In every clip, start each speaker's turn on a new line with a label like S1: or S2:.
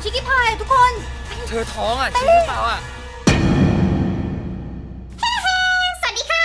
S1: ชิคกี้พายทุกคน
S2: เธอท้องอ่ะจริงหรือเปล่าอ่ะ
S1: สวัสดีค่ะ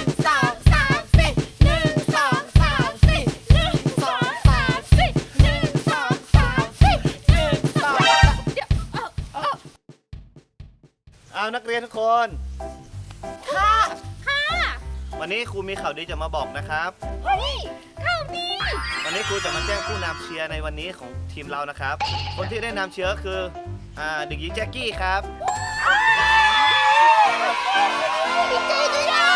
S3: เอานักเรียนทุกคน
S1: ค่ะ
S3: วันนี้ครูมีข่าวดีจะมาบอกนะครับ
S1: เฮ้ยข่าวดี
S3: วันนี้ครูจะมาแจ้งผู้นำเชียร์ในวันนี้ของทีมเรานะครับ คนที่ได้นำเชียร์ก็คือเด็กหญิงแจ็คกี้ครับ
S1: ดีใจด้วยอ่ะ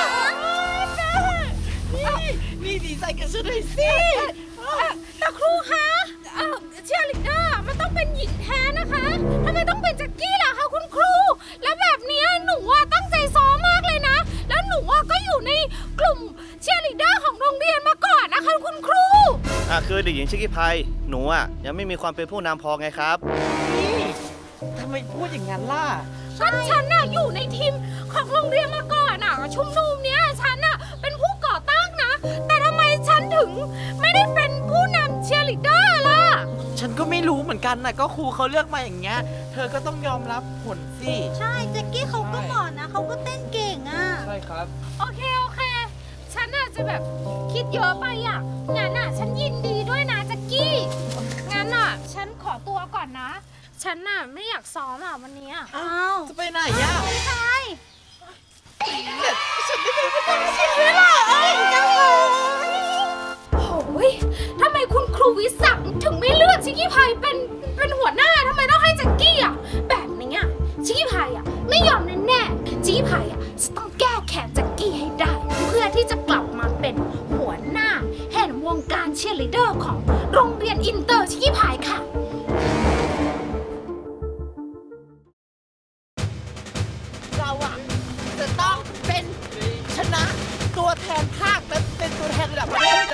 S4: นี่ดีใจกันซะด้วยสิ
S1: แต่ครูคะเชียร์ลีดเดอร์มันต้องเป็นหญิงแท้นะคะทำไมต้องเป็นแจ็คกี้ล่ะคะคุณครู แล้วแบบนี้หนูตั้งใจซ้อมมากเลยนะ แล้วหนูก็อยู่ในกลุ่มเชียร์ลีดเดอร์ของโรงเรียนมาก่อนนะคะคุณครู
S3: คือเด็กหญิงชิคกี้พายหนูยังไม่มีความเป็นผู้นำพอไงครับ
S4: นี่ทำไมพูดอย่างนั้นล่ะ
S1: ก็ฉันอยู่ในทีมของโรงเรียนมาก่อนชุมนุมเนี้ยฉันเป็นผู้ก่อตั้งนะ แต่ทำไมฉันถึงไม่ได้เป็นผู้นำเชียร์ลีดเดอร์ล่ะ
S4: ฉันก็ไม่รู้เหมือนกันนะก็ครูเขาเลือกมาอย่างเงี้ย เธอก็ต้องยอมรับผลสิ
S5: ใช่แจ็คกี้เขาก็เหมาะนะเขาก็เต้นเก่งอ่ะ
S2: ใช่ครับ
S1: โอเค ฉันจะแบบคิดเยอะไปงั้นฉันยินดีด้วยนะแจ็คกี้ งั้นฉันขอตัวก่อนนะ ฉันไม่อยากซ้อมวันนี้
S5: อ้าว
S4: จะไปไหนอ่ะ
S5: ใช่
S4: ฉันไม่ได้ไปตั้งชื่อเลยล่ะ
S1: โอ้ยทำไมคุณครูวิศักดิ์ถึงไม่เลือกชิคกี้พายเป็นหัวหน้าทำไมต้องให้แจ็คกี้แบบนี้ชิคกี้พายไม่ยอมแน่ๆชิคกี้พายจะต้องแก้แค้นแจ็คกี้ให้ได้ เพื่อที่จะกลับมาเป็นหัวหน้าแห่งวงการเชียร์ลีดเดอร์ของโรงเรียนอินเตอร์ชิคกี้พายค่ะ
S4: เราอ่ะจะต้องเป็นชนะตัวแทนภาคและเป็นตัวแทนระดับประเทศให้ได้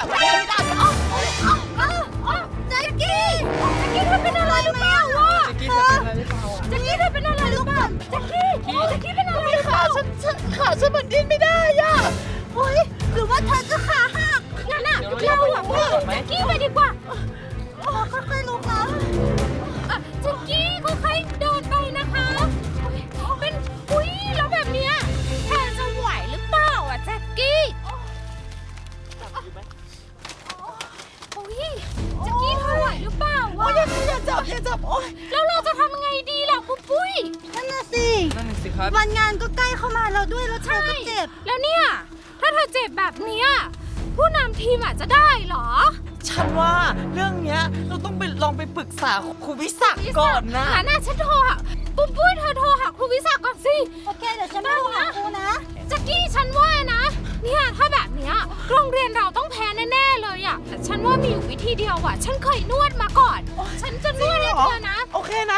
S1: แจ็คกี้เธอเป็นอะไรหรือเปล่า
S2: แจ็คกี้เธอเป็นอะไรหรือเปล่าอ่ะ
S1: แจ็คกี้เธอเป็นอะไรหรือเปล่าแจ็คกี้เป็นอะไรหรือเปล่า
S4: ขาฉันมันดิ้นไม่ได้อ่ะ
S5: เฮ้ยหรือว่าเธอจะขาหัก
S1: งั้นเราไปส่งแจ็คกี้ไปดีกว่า
S5: ค่อยๆลุกนะ
S1: แจ็คกี้ค่อยๆเดินไปนะคะเป็นแล้วแบบเนี้ยแทนจะไหวหรือเปล่าแจ็คกี้แจ็คกี้เธอไหวหรือเปล่า
S4: อย่าจับโอ๊ย
S1: แล้วเราจะทำยังไงดีล่ะปุ้ย
S5: นั่นน่ะสิ
S2: นั่นสิครับ
S5: วันงานก็ใกล้เข้ามาแล้วด้วยแล้วเธอก็เจ็บ
S1: แล้วเนี่ยถ้าเธอเจ็บแบบเนี้ยผู้นำทีมจะได้เหรอ
S4: ฉันว่าเรื่องเนี้ยเราต้องไปลองไปปรึกษาครูวิศักดิ์ก่อนนะ
S1: งั้นฉันโทรหาปุ้ยเธอโทรหาครูวิศักดิ์ก่อนสิ
S5: โอเคเดี๋ยวฉันไปโทรหาครูนะ
S1: แจ็คกี้ฉันว่านะเนี่ยถ้าแบบเนี้ยโรงเรียนเราต้องแพ้แน่ๆเลยแต่ฉันว่ามีอยู่วิธีเดียวฉันเคยนวดมาก่อน ฉันจะนวดให้เธอนะ
S4: โอเคนะ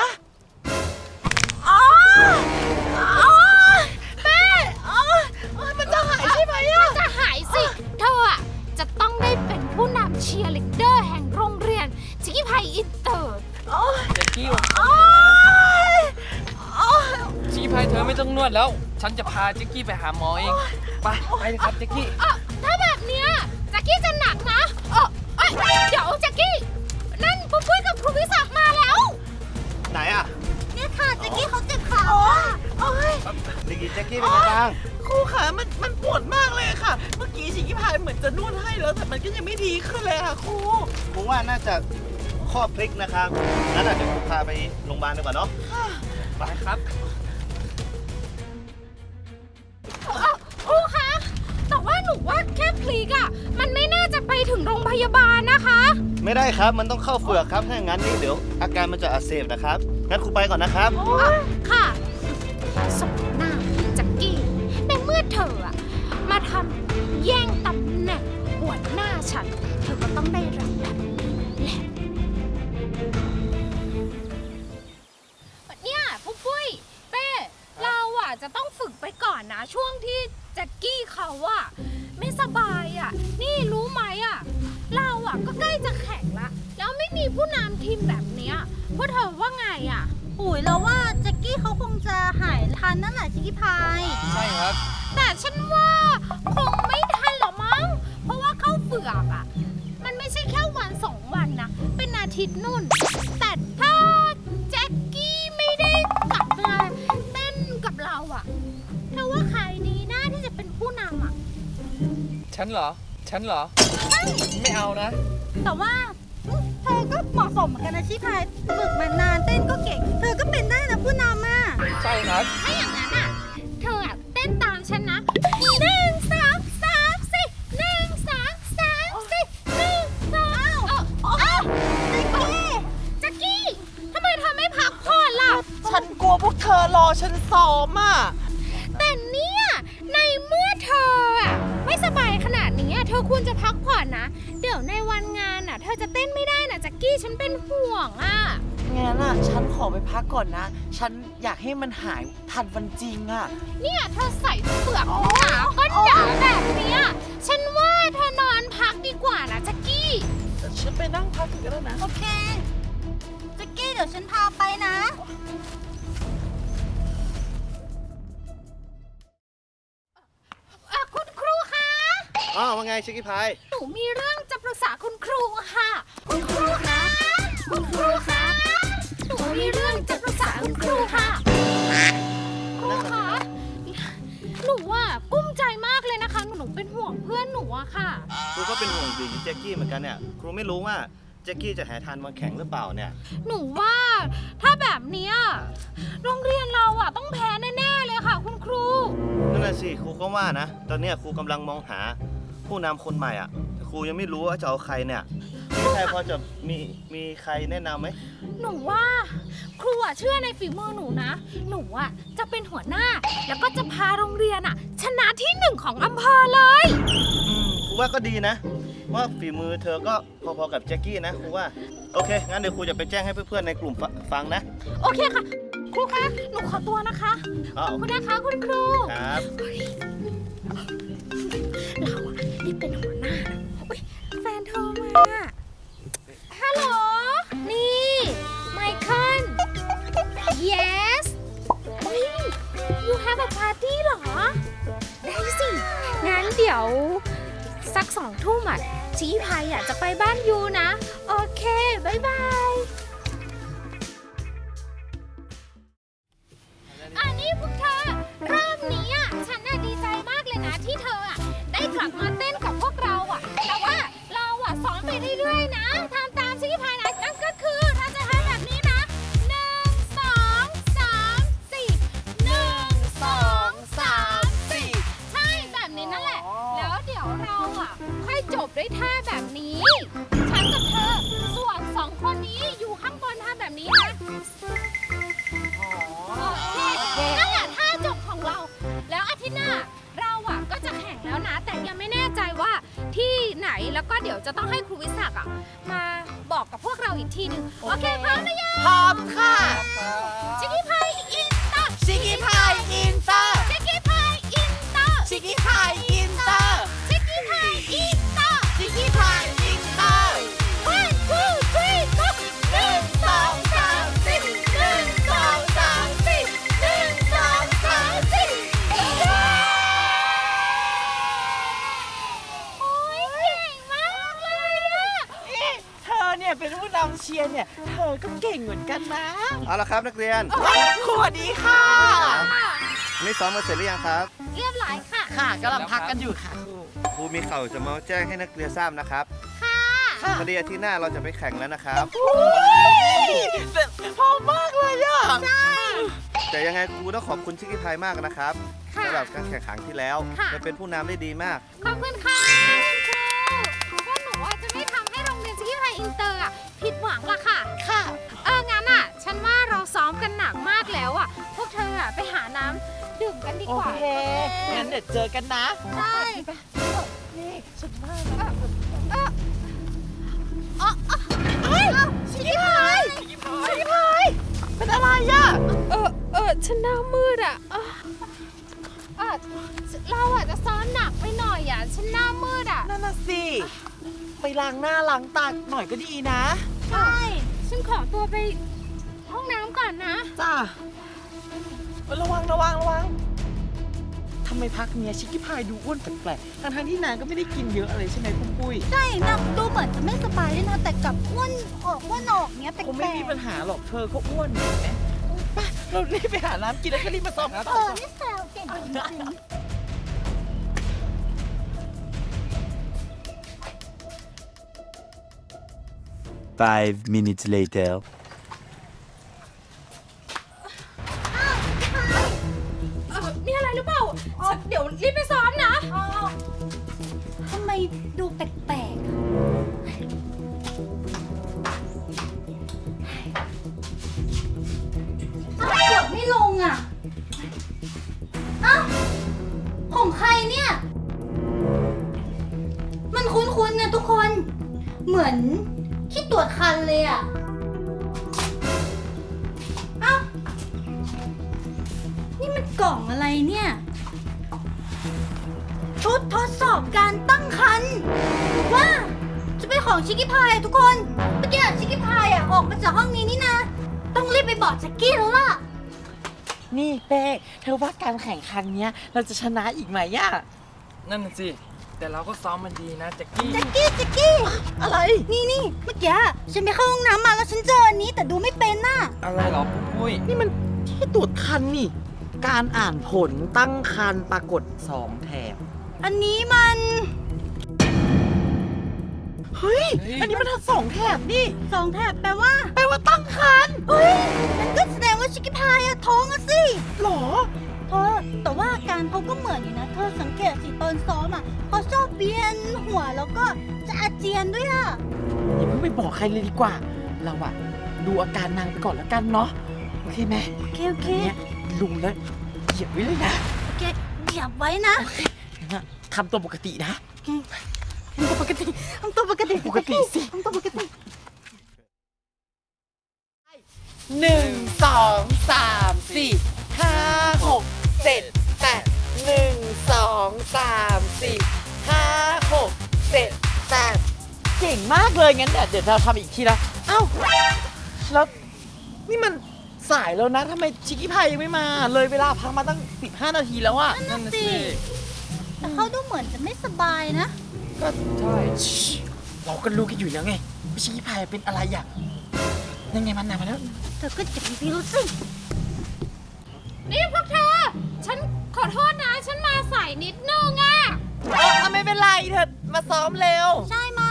S1: แม่มันจะหายใช่ไหมมันจะหายสิเธอจะต้องได้เป็นผู้นำเชียร์ลีดเดอร์แห่งโรงเรียนชิคกี้พายอินเตอร์
S2: แจ็คกี้วันชิคกี้พายเธอไม่ต้องนวดแล้ว ฉันจะพาแจ็คกี้ไปหาหมอเอง ไปเลยครับแจ็คกี้
S1: ถ้าแบบเนี้ยแจ็คกี้จะหนักนะเดี๋ยวแจ็คกี้นั่นปุ้ยกับครูวิศักดิ์มาแล้ว
S3: ไหน
S5: เนี่ยค่ะแจ็คกี้เขาเจ็บขาโอ้ย
S3: เด็กหญิงแจ็คกี้เป็นไงบ้าง
S4: ครูขามันปวดมากเลยค่ะ เมื่อกี้ชิคกี้พายเหมือนจะนวดให้แล้วแต่มันก็ยังไม่ดีขึ้นเลยค่ะครู
S3: ผมว่าน่าจะข้อพลิกนะครับงั้นเดี๋ยวผมพาไปโรงพยาบาลดีกว่าเนาะ
S2: ไปครับ
S1: ครูคะแต่ว่าหนูว่าแค่พลิกมันไม่น่าจะไปถึงโรงพยาบาลนะคะ
S3: ไม่ได้ครับ มันต้องเข้าเฝือกครับ ถ้าอย่างนั้นนี่เดี๋ยวอาการมันจะอักเสบนะครับ งั้นครูไปก่อนนะครับ
S1: ค่ะสมหน้าแจ็คกี้ในเมื่อเธอมาทำแย่งตำแหน่งหัวหน้าฉัน เธอก็ต้องได้รับแบบนี้แหละเนี่ยปุ้ยเป้เราจะต้องฝึกไปก่อนนะช่วงที่แจ็คกี้เขาไม่สบายนี่รู้ไหมเราก็ใกล้จะแข่งละแล้วไม่มีผู้นำทีมแบบเนี้ยพวกเธอว่าไง
S5: ปุ๋ยแล้วว่าแจ็คกี้เขาคงจะหายทันนั่นแหละชิคกี้พาย
S2: ใช่ครับ
S1: แต่ฉันว่าคงไม่ทันหรอมั้งเพราะว่าเข้าเฝือกมันไม่ใช่แค่วัน2 วันนะเป็นอาทิตย์นู่นแต่ถ้าแจ็ค
S2: ฉันเหรอ ไม่เอานะ
S5: แต่ว่าเธอก็เหมาะสมเหมือนกันนะชิคกี้พายฝึกมานานเต้นก็เก่ง เธอก็เป็นได้นะผู้นำอ่ะ
S2: ใช่ครับ
S1: ถ้าอย่างนั้นอ่ะ เธออ่ะเต้นตามฉันนะ1 2 3 4 1 2 3 4 1 2แจ็คกี้ทำไมเธอไม่พักผ่อนล่ะ
S4: ฉันกลัวพวกเธอรอฉันซ้อมอ่ะ
S1: แต่เนี่ยในเมื่อเธออะไม่สบายขนาดนี้อะเธอควรจะพักผ่อนนะ เดี๋ยวในวันงานอ่ะ เธอจะเต้นไม่ได้นะแจ็คกี้ฉันเป็นห่วงอ่ะ
S4: งั้นอ่ะ ฉันขอไปพักก่อนนะ ฉันอยากให้มันหายทันวันจริงอ่ะ
S1: เนี่ยเธอใส่เปลือกหนาก็หนาแบบเนี้ยฉันว่าเธอนอนพักดีกว่านะแจ็คกี้
S4: ฉันไปนั่งพักกันแล้วนะ
S5: โอเคแจ็กกี้เดี๋ยวฉันพาไปนะ
S1: คุณครูคะ
S3: อ๋อว่าไงชิคกี้พาย
S1: หนูมีเรื่องจะปรึกษาคุณครูค่ะ คุณครูคะคุณครูคะหนูมีเรื่องจะปรึกษาคุณครูค่ะครูคะหนูว่ากุ้มใจมากเลยนะคะ หนูเป็นห่วงเพื่อนหนูอะค่ะ
S3: ครูก็เป็นห่วงเด็กหญิงแจ็คกี้เหมือนกันเนี่ย ครูไม่รู้ว่าแจ็คกี้จะหาทานวันแข่งหรือเปล่าเนี่ย
S1: หนูว่าถ้าแบบเนี้ยโรงเรียนเราอะต้องแพ้แน่ๆเลยค่ะ คุณครู
S3: นั่นน่ะสิครูก็ว่านะ ตอนเนี้ยครูกำลังมองหาผู้นำคนใหม่อ่ะ ครูยังไม่รู้ว่าจะเอาใครเนี่ยพี่ชายพอจะมีใครแนะนำไหม
S1: หนูว่าครูอะเชื่อในฝีมือหนูนะ หนูอะจะเป็นหัวหน้า แล้วก็จะพาโรงเรียนอะชนะที่ 1ของอำเภอเลย
S3: ครูว่าก็ดีนะ ว่าฝีมือเธอก็พอๆกับแจ็คกี้นะครูว่า โอเค งั้นเดี๋ยวครูจะไปแจ้งให้เพื่อนๆในกลุ่มฟังนะ
S1: โอเคค่ะ ครูคะหนูขอตัวนะคะ
S3: อ๋อ
S1: ขอบคุณนะคะคุณครู
S3: ครับ
S1: เราอะนี่เป็นหัวหน้านะอุ๊ยแฟนโทรมาฮัลโหลนี่ไมเคิล yes อุ๊ย you have a party เหรอ ได้สิ งั้นเดี๋ยวสัก2 ทุ่มอ่ะชี้พายจะไปบ้านยูนะ โอเค บ๊ายบาย อันนี้พวกเธอรอบนี้อ่ะฉันน่ะดีใจมากเลยนะที่เธออ่ะได้กลับมาเต้นกับพวกเราอ่ะ แต่ว่าเราอ่ะสอนไปเรื่อยๆนะทำตามชี้พายนะนั่นก็คือเราจะทำแบบนี้นะ1 2 3 4 1 2 3 4ใช่แบบนี้นั่นแหละ แล้วเดี๋ยวเราอ่ะค่อยจบด้วยท่าแบบนี้ ฉันกับเธอส่วน2 คนนี้อยู่ข้างบนทำแบบนี้นะ โอเคนั่นแหละท่าจบของเรา แล้วอาทิตย์หน้าเราอะก็จะแข่งแล้วนะ แต่ยังไม่แน่ใจว่าที่ไหน แล้วก็เดี๋ยวจะต้องให้ครูวิศักดิ์อะมาบอกกับพวกเราอีกทีหนึ่งโอเคพร้อมหรือยัง
S4: พร้อมค่ะ
S1: ชิคกี้พายอินเตอร์
S4: ชิคกี้พายอินเตอร์
S1: ชิคกี้พายอินเตอร์
S4: ชิคกี้พายอินเตอร์
S1: ชิคกี้พายอินเตอร์
S4: ชิคกี้พายอินเตอร์
S1: 1 2 3 go 1 2 3 4 1 2 3 4 1 2 3 4โอ้ยเก่งมากเลยอะ
S4: เธอเนี่ยเป็นผู้นำเชียร์เนี่ย เธอก็เก่งเหมือนกันนะ
S3: เอาละครับนักเรียน
S4: สวัสดีค่ะ
S3: นี่ซ้อมมาเสร็จหรือยังครับ
S1: เรียบร้อยค่ะ
S4: ค่ะกำลังพักกันอยู่ค่ะครู
S3: ครูมีข่าวจะมาแจ้งให้นักเรียนทราบนะครับ
S1: ค่ะ
S4: ค่ะ
S3: พอดีอาทิตย์หน้าเราจะไปแข่งแล้วนะครับ
S4: พอมากเลยอ่ะ
S3: แต่ยังไงครูต้องขอบคุณชิคกี้พายมากนะครับ
S1: ค่ะ
S3: สำหรับการแข่งขันที่แล้ว
S1: ค่ะ
S3: จะเป็นผู้นำได้ดีมาก
S1: ขอบคุณค่ะคุณครูพวกหนูว่าจะไม่ทำให้โรงเรียนชิคกี้พายอินเตอร์อะผิดหวังละค่ะ
S4: ค่ะ
S1: งั้นอะฉันว่าเราซ้อมกันหนักมากแล้วอะพวกเธออะไปหาน้ำดื่มกันดี
S4: โอก
S1: ว่า
S4: เค งั้นเดี๋ยวเจอกันนะ
S1: ใช่
S4: นี่ฉันว่านะ
S1: ชิคกี้พาย
S4: ชิคกี้พายเป็นอะไรอ่ะ
S1: ฉันหน้ามืดอะเราอะจะซ้อมหนักไปหน่อยอะฉันหน้ามืดอะ
S4: นั่นน่ะสิ ไปล้างหน้าล้างตาหน่อยก็ดีนะ
S1: ใช่ ฉันขอตัวไปห้องน้ำก่อนนะ
S4: จ้าระวังทำไมพักเนี้ยชิคกี้พายดูอ้วนแปลกๆทั้งที่นางก็ไม่ได้กินเยอะอะไรใช่ไหมคุณปุ้ย
S5: ใช่นะดูเหมือนจะไม่สบายด้วยนะ แต่กลับอ้วนออกเนี้ยแปล
S4: คงไม่มีปัญ
S5: ก
S4: หาหรอกเธอก็อ้วนอยู่ไหมไปเรารีบไปหาน้ำกินแล้วก็รีบมาซ้อม
S5: ๆนี่แซวเก่งจริงๆ
S6: 5 minutes later.
S1: มีอะไรหรือเปล่าเดี๋ยวรีบไปซ้อมนะ
S5: ทำไมดูแปลกๆกดไม่ลงอ่ะอ้าวของใครเนี่ย มันคุ้นๆนะทุกคน เหมือนที่ตรวจคันเลยอ่ะอ้าวนี่มันกล่องอะไรเนี่ย ชุดทดสอบการตั้งครรภ์ว่าจะเป็นของชิคกี้พายอะทุกคน เมื่อกี้ชิคกี้พายอะออกมาจากห้องนี้นี่นะ ต้องรีบไปบอกแจ็คกี้แล้วล่ะ
S4: นี่เป้เธอว่าการแข่งครั้งเนี้ยเราจะชนะอีกไหมอะ
S2: นั่นน่ะสิ แต่เราก็ซ้อมมันดีนะแจ็คกี้
S5: แจ็คกี้
S4: อะไร
S5: นี่เมื่อกี้ฉันไปเข้าห้องน้ำมาแล้วฉันเจออันนี้แต่ดูไม่เป็นน่ะ
S2: อะไรเหรอปุ้ย
S4: นี่มันที่ตรวจคันนี่ การอ่านผลตั้งคันปรากฏ2 แถบ
S5: อันนี้มัน
S4: เฮ้ย อันนี้มันทั้ง2 แถบนี่
S5: 2 แถบแปลว่า
S4: แปลว่าตั้งคัน
S5: เฮ้ยนั่นก็แสดงว่าชิคกี้พายอะท้องอะสิ
S4: หรอ
S5: เธอแต่ว่าอาการเขาก็เหมือนอยู่นะ เธอสังเกตสิตอนซ้อมอ่ะเขาชอบเวียนหัวแล้วก็จะอาเจียนด้วยอ่ะ
S4: อย่าเพิ่งไปบอกใครเลยดีกว่า เราอะดูอาการนางไปก่อนแล้วกันเนาะ โอเคไหม
S5: โอเค
S4: อันเนี้ยลุงแล้วเหยียบไว้เลยนะ
S5: โอเคเหยียบไว้นะ
S4: ทำตัวปกตินะ
S5: ทำตัวปกติทำตัวปกติ
S4: ปกติสิ
S5: ทำตัวปกติ
S4: 1 2 3 4 5 6 7 8 1 2 3 4 5 6 7 8เก่งมากเลยงั้นเดี๋ยวเราทำอีกทีนะเอ้าแล้วนี่มันสายแล้วนะทำไมชิคกี้พายยังไม่มา เลยเวลาพักมาตั้ง 15 นาทีแล้วอะ
S2: นั่นน่ะสิ
S5: แต่เขาดูเหมือนจะไม่สบายนะ
S2: ก็ใช่
S4: เราก็รู้กันอยู่แล้วไงว่าชิคกี้พายเป็นอะไรอะยังไงมันนำมาแล้ว
S5: เธอก็จะมีพิรุธสิ
S1: นี่พวกเธอ ฉันขอโทษนะ ฉันมาสายนิดนึงอะ
S4: ไม่เป็นไรเธอมาซ้อมเร็ว
S5: ใช่มา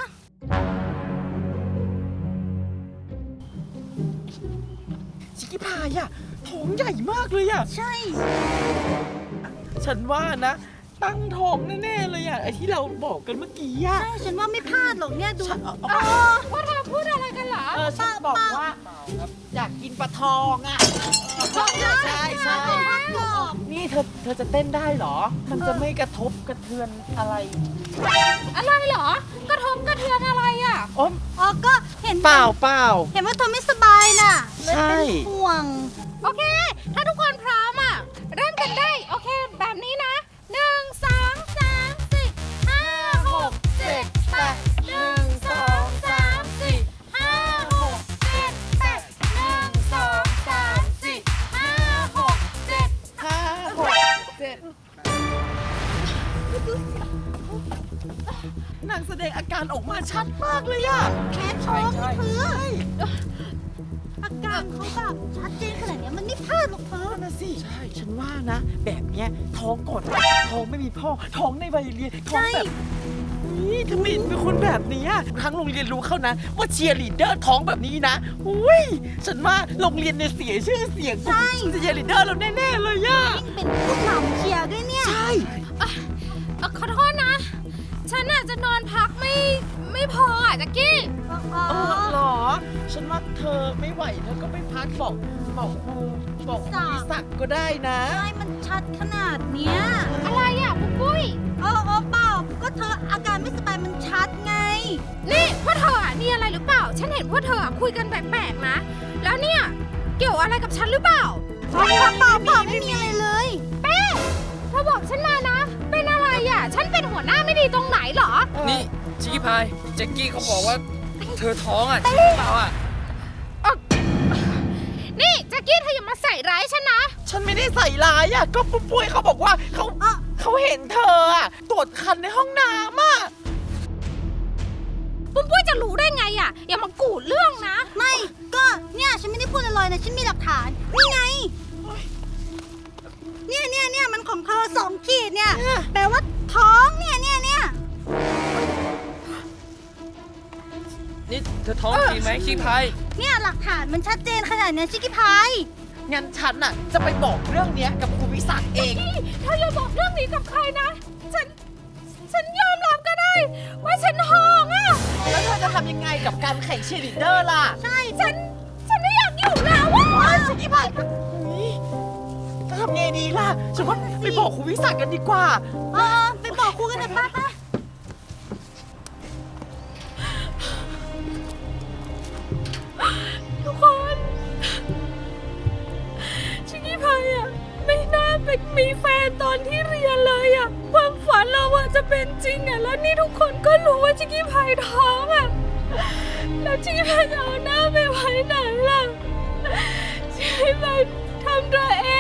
S4: ชิคกี้พายอะท้องใหญ่มากเลยอะ
S5: ใช่
S4: ฉันว่านะ ตั้งท้องแน่ๆเลยอะไอที่เราบอกกันเมื่อกี้อะ
S5: ใช่ฉันว่าไม่พลาดหรอกเนี่ยดู
S4: ฉัน
S1: พวกเธอพูดอะไรกันเหรอ
S4: ฉันบอกว่าอยากกินปลาทองอะใช่ใช่
S5: กรอบ
S4: นี่เธอจะเต้นได้เหรอ มันจะไม่กระทบกระเทือนอะไร
S1: อะไรเหรอ กระทบกระเทือนอะไรอะ
S4: อ๋อ
S5: อ๋อก็เห็น
S4: เปล่า
S5: เห็นว่าเธอไม่สบายน่ะเลย
S4: ใช่
S5: เป็นห่วง
S1: โอเค ถ้าทุกคนพร้อมอะเริ่มกันได้ โอเค แบบนี้นะ 1 2 3 4 5 6 7 8 1 2 3 4 5 6 7 8 1 2 3 4 5 6 7
S4: 5 6 7นางแสดงอาการออกมาชัดมากเลยอะ
S5: แค่ท้องเธออาการเขาแบบชัดเจนขนาดเนี้ยมันไม่พลาดหรอกเธอ
S4: นั่นนะสิใช่ ฉันว่านะ แบบเนี้ยท้องก่อนท้องไม่มีพ่อ ท้องในวัยเรียนท้องแบบนี่ทำไมเป็นคนแบบนี้อะทั้งโรงเรียนรู้เข้านะ ว่าเชียร์ลีดเดอร์ท้องแบบนี้นะอุ้ยฉันว่าโรงเรียนเนี่ยเสียชื่อเสียง
S5: ใช่
S4: เชียร์ลีดเดอร์เราแน่ๆเลยอะ
S5: ยิ่งเป็นผู้นำเชียร์ด้วยเนี่ย
S4: ใช่
S1: ขอโทษนะ ฉันอาจจะนอนพักไม่พออ่ะแจ็กกี้
S4: เหรอ ฉันว่าเธอไม่ไหวเธอก็ไปพักบอกครูบอกครูวิศักดิ์ก็ได้นะ
S5: ใช่มันชัดขนาดเนี้ย
S1: อะไรอ่ะปุ๊กปุ้ย
S5: เปล่าก็เธออาการไม่สบายมันชัดไง
S1: นี่พวกเธออ่ะมีอะไรหรือเปล่า ฉันเห็นพวกเธออ่ะคุยกันแปลกๆนะ แล้วเนี่ยเกี่ยวอะไรกับฉันหรือเปล่า
S5: เปล่าไม่มีอะไรเลย
S1: เป้เธอบอกฉันมานะ เป็นอะไรอ่ะ ฉันเป็นหัวหน้าไม่ดีตรงไหนเหรอ
S2: นี่ชิคกี้พายแจ็คกี้เขาบอกว่าเธอท้องอ่ะจริงหรือเปล่าอ่ะ
S1: นี่แจ็กกี้เธออย่ามาใส่ร้ายฉันนะ
S4: ฉันไม่ได้ใส่ร้ายอะก็ปุ้ยเขาบอกว่าเขาเห็นเธออะตรวจคันในห้องน้ำอะ
S1: ปุ้มปุ้ยจะรู้ได้ไงอ่ะ อย่ามากูดเรื่องนะ
S5: ไม่ก็เนี่ยฉันไม่ได้พูดลอยๆนะฉันมีหลักฐานนี่ไงเนี่ยมันของเธอ2 ขีดเนี่ยแปลว่าท้องเนี่ย
S2: นี่เธอท้องจริงไหมชิคกี้พาย
S5: เนี่ยหลักฐานมันชัดเจนขนาดนี้ชิคกี้พาย
S4: งั้นฉันน่ะจะไปบอกเรื่องเนี้ยกับครูวิศักดิ์เอง
S1: เธออย่าบอกเรื่องนี้กับใครนะ ฉันยอมรับก็ได้ ว่าฉันท้องอ่ะ
S4: แล้วเธอจะทำยังไงกับการแข่งเชียร์ลีดเดอร์ล่ะ
S1: ใช่ ฉันไม่อยากอยู่แล้วอ่ะ
S4: ชิคกี้พายจะทำไงดีล่ะ ฉันว่าไปบอกครูวิศักดิ์กันดีกว่า
S5: ไปบอกครูกันเถอะป้า
S1: ทุกคนชิคกี้พายอะไม่น่าไปมีแฟนตอนที่เรียนเลยอะความฝันเราอะจะเป็นจริงอะแล้วนี่ทุกคนก็รู้ว่าชิคกี้พายท้องอะแล้วชิคกี้พายจะเอาหน้าไปไว้ไหนล่ะชิคกี้พายทำตัวเอ